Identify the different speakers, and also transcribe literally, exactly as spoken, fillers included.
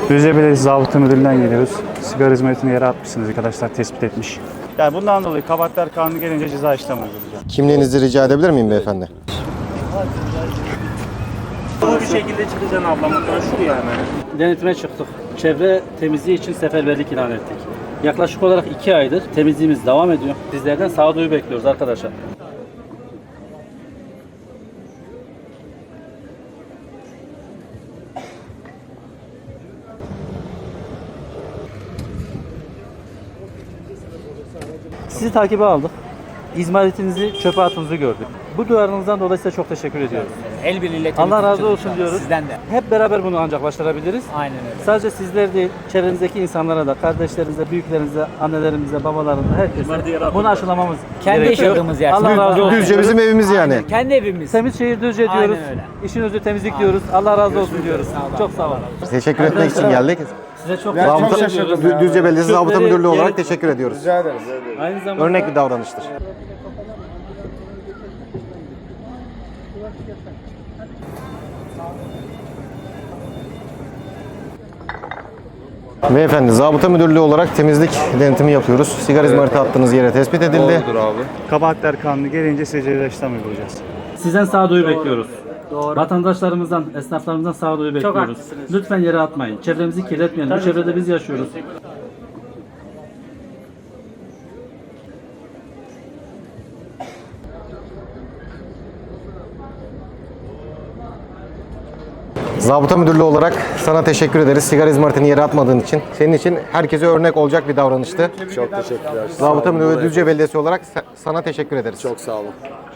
Speaker 1: Düzce Belediyesi Zabıta Müdürlüğü'nden geliyoruz. Sigara hizmetini yere atmışsınız arkadaşlar, tespit etmiş. Yani bundan dolayı Kabahatler Kanunu gelince ceza işlemi uygulayacağım.
Speaker 2: Kimliğinizi rica edebilir miyim beyefendi?
Speaker 3: Bu bir şekilde çıkacaksın abla, motora şuraya hemen. Denetime çıktık. Çevre temizliği için seferberlik ilan ettik. Yaklaşık olarak iki aydır temizliğimiz devam ediyor. Bizlerden sağduyu bekliyoruz arkadaşlar. Sizi takibe aldık. İzmaritinizi, çöpe attığınızı gördük. Bu duyarınızdan dolayı size çok teşekkür ediyoruz.
Speaker 4: El birliğiyle
Speaker 3: Allah razı
Speaker 4: temizlik
Speaker 3: olsun diyoruz.
Speaker 4: Sizden de.
Speaker 3: Hep beraber bunu ancak başarabiliriz.
Speaker 4: Aynen öyle.
Speaker 3: Sadece sizler değil, çevrenizdeki insanlara da, kardeşlerinize, büyüklerinize, annelerimize, babalarımıza, herkese bunu aşılamamız
Speaker 4: Kendi
Speaker 3: gerekiyor.
Speaker 4: yaşadığımız yer.
Speaker 3: Allah razı olsun.
Speaker 2: Düzce bizim evimiz yani.
Speaker 4: Aynen, kendi evimiz.
Speaker 3: Temiz şehir Düzce diyoruz.
Speaker 4: Aynen öyle.
Speaker 3: İşin özü temizlik diyoruz. Allah razı olsun diyoruz. Çok sağ olun.
Speaker 2: Teşekkür etmek için geldik.
Speaker 3: Size çok
Speaker 2: Zabıta,
Speaker 3: teşekkür ediyoruz.
Speaker 2: Dü- Düzce Belediyesi Zabıta
Speaker 3: Çöpleri
Speaker 2: Müdürlüğü olarak
Speaker 3: yere-
Speaker 2: teşekkür ediyoruz.
Speaker 3: Aynı zamanda
Speaker 2: Örnek bir davranıştır. Beyefendi, Zabıta Müdürlüğü olarak temizlik denetimi yapıyoruz. Sigara izmariti attığınız yere tespit edildi.
Speaker 1: Kabahatler Kanunu gelince size ceza işlemi uygulayacağız.
Speaker 3: sizden sağduyu bekliyoruz. Vatandaşlarımızdan, esnaflarımızdan sağduyu bekliyoruz.
Speaker 4: haklısınız.
Speaker 3: Lütfen yere atmayın. Çevremizi kirletmeyelim. Bu çevrede biz yaşıyoruz.
Speaker 2: Zabıta Müdürlüğü olarak sana teşekkür ederiz. Sigara izmaritini yere atmadığın için. Senin için herkese örnek olacak bir davranıştı.
Speaker 5: Çok teşekkürler.
Speaker 2: Zabıta Müdürlüğü ve Düzce Belediyesi olarak sa- sana teşekkür ederiz.
Speaker 5: Çok sağ olun.